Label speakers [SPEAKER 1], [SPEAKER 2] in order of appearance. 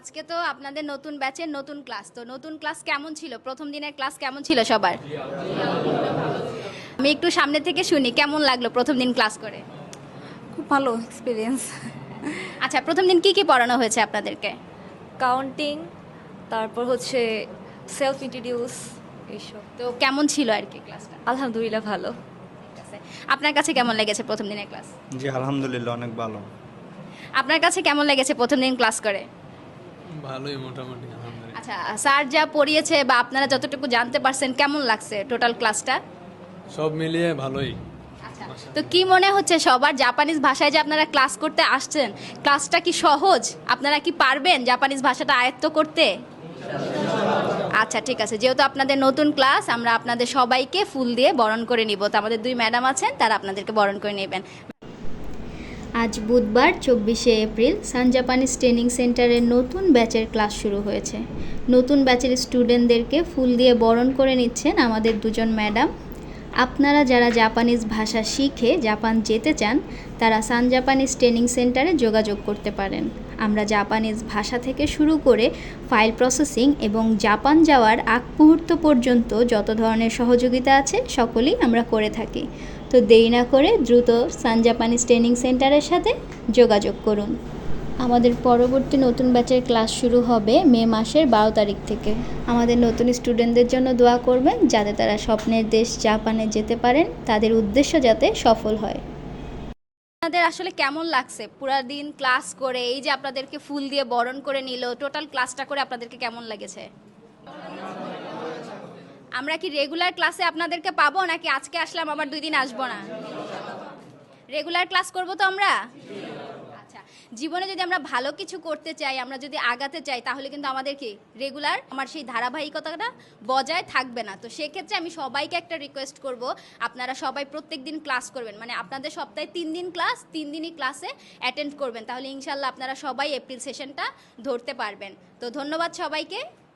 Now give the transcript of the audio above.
[SPEAKER 1] আজকে তো আপনাদের নতুন ব্যাচের নতুন ক্লাস, তো নতুন ক্লাস কেমন ছিল? প্রথম দিনের ক্লাস কেমন ছিল সবার? আমি একটু সামনে থেকে শুনি, কেমন লাগলো প্রথম দিন ক্লাস করে?
[SPEAKER 2] খুব ভালো এক্সপিরিয়েন্স।
[SPEAKER 1] আচ্ছা, প্রথম দিন কি কি পড়ানো হয়েছে আপনাদেরকে?
[SPEAKER 2] কাউন্টিং, তারপর হচ্ছে সেলফ ইন্ট্রোডিউস, এইসব।
[SPEAKER 1] তো কেমন ছিল আর কি ক্লাসটা?
[SPEAKER 2] আলহামদুলিল্লাহ ভালো।
[SPEAKER 1] ঠিক আছে। আপনার কাছে কেমন লেগেছে প্রথম দিনের ক্লাস?
[SPEAKER 3] জি আলহামদুলিল্লাহ অনেক ভালো।
[SPEAKER 1] আপনার কাছে কেমন লেগেছে প্রথম দিন ক্লাস করে?
[SPEAKER 4] ভালোই মোটামুটি আলহামদুলিল্লাহ।
[SPEAKER 1] আচ্ছা, স্যার যা পড়িয়েছে বা আপনারা যতটুকু জানতে পারছেন কেমন লাগছে টোটাল ক্লাসটা?
[SPEAKER 4] সব মিলিয়ে ভালোই।
[SPEAKER 1] আচ্ছা, তো কি মনে হচ্ছে সবার জাপানিজ ভাষায় যে আপনারা ক্লাস করতে আসছেন, ক্লাসটা কি সহজ? আপনারা কি পারবেন জাপানিজ ভাষাটা আয়ত্ত করতে? আচ্ছা ঠিক আছে, যেহেতু আপনাদের নতুন ক্লাস, আমরা আপনাদের সবাইকে ফুল দিয়ে বরণ করে নিব। তো আমাদের দুই ম্যাডাম আছেন, তারা আপনাদেরকে বরণ করে নেবেন। আজ বুধবার 24শে এপ্রিল সান জাপানিজ ট্রেনিং সেন্টারের নতুন ব্যাচের ক্লাস শুরু হয়েছে। নতুন ব্যাচের স্টুডেন্টদেরকে ফুল দিয়ে বরণ করে নিচ্ছেন আমাদের দুজন ম্যাডাম। আপনারা যারা জাপানিজ ভাষা শিখে জাপান যেতে চান, তারা সান জাপানিজ ট্রেনিং সেন্টারে যোগাযোগ করতে পারেন। আমরা জাপানিজ ভাষা থেকে শুরু করে ফাইল প্রসেসিং এবং জাপান যাওয়ার আগ মুহূর্ত পর্যন্ত যত ধরনের সহযোগিতা আছে সকলেই আমরা করে থাকি। তো দেরি না করে দ্রুত সান জাপানিজ ট্রেনিং সেন্টারের সাথে যোগাযোগ করুন। আমাদের পরবর্তী নতুন ব্যাচের ক্লাস শুরু হবে মে মাসের 12 তারিখ থেকে। আমাদের নতুন স্টুডেন্টদের জন্য দোয়া করবেন, যাতে তারা স্বপ্নের দেশ জাপানে যেতে পারেন, তাদের উদ্দেশ্য যাতে সফল হয়। আপনাদের আসলে কেমন লাগছে পুরো দিন ক্লাস করে? এই যে আপনাদেরকে ফুল দিয়ে বরণ করে নিল, টোটাল ক্লাসটা করে আপনাদেরকে কেমন লেগেছে? আমরা কি রেগুলার ক্লাসে আপনাদেরকে পাবো, নাকি আজকে আসলাম আবার 2 দিন আসবো না? রেগুলার ক্লাস করব তো আমরা? আচ্ছা, জীবনে যদি আমরা ভালো কিছু করতে চাই, আমরা যদি আগাতে চাই, তাহলে কিন্তু আমাদের কি রেগুলার আমার সেই ধারাবাহিকতাটা বজায় থাকবে না। তো সেক্ষেত্রে আমি সবাইকে একটা রিকোয়েস্ট করব, আপনারা সবাই প্রত্যেক দিন ক্লাস করবেন। মানে আপনাদের সপ্তাহে 3 দিন ক্লাস, 3 দিনই ক্লাসে অ্যাটেন্ড করবেন, তাহলে ইনশাল্লাহ আপনারা সবাই এপ্রিল সেশনটা ধরতে পারবেন। তো ধন্যবাদ সবাইকে।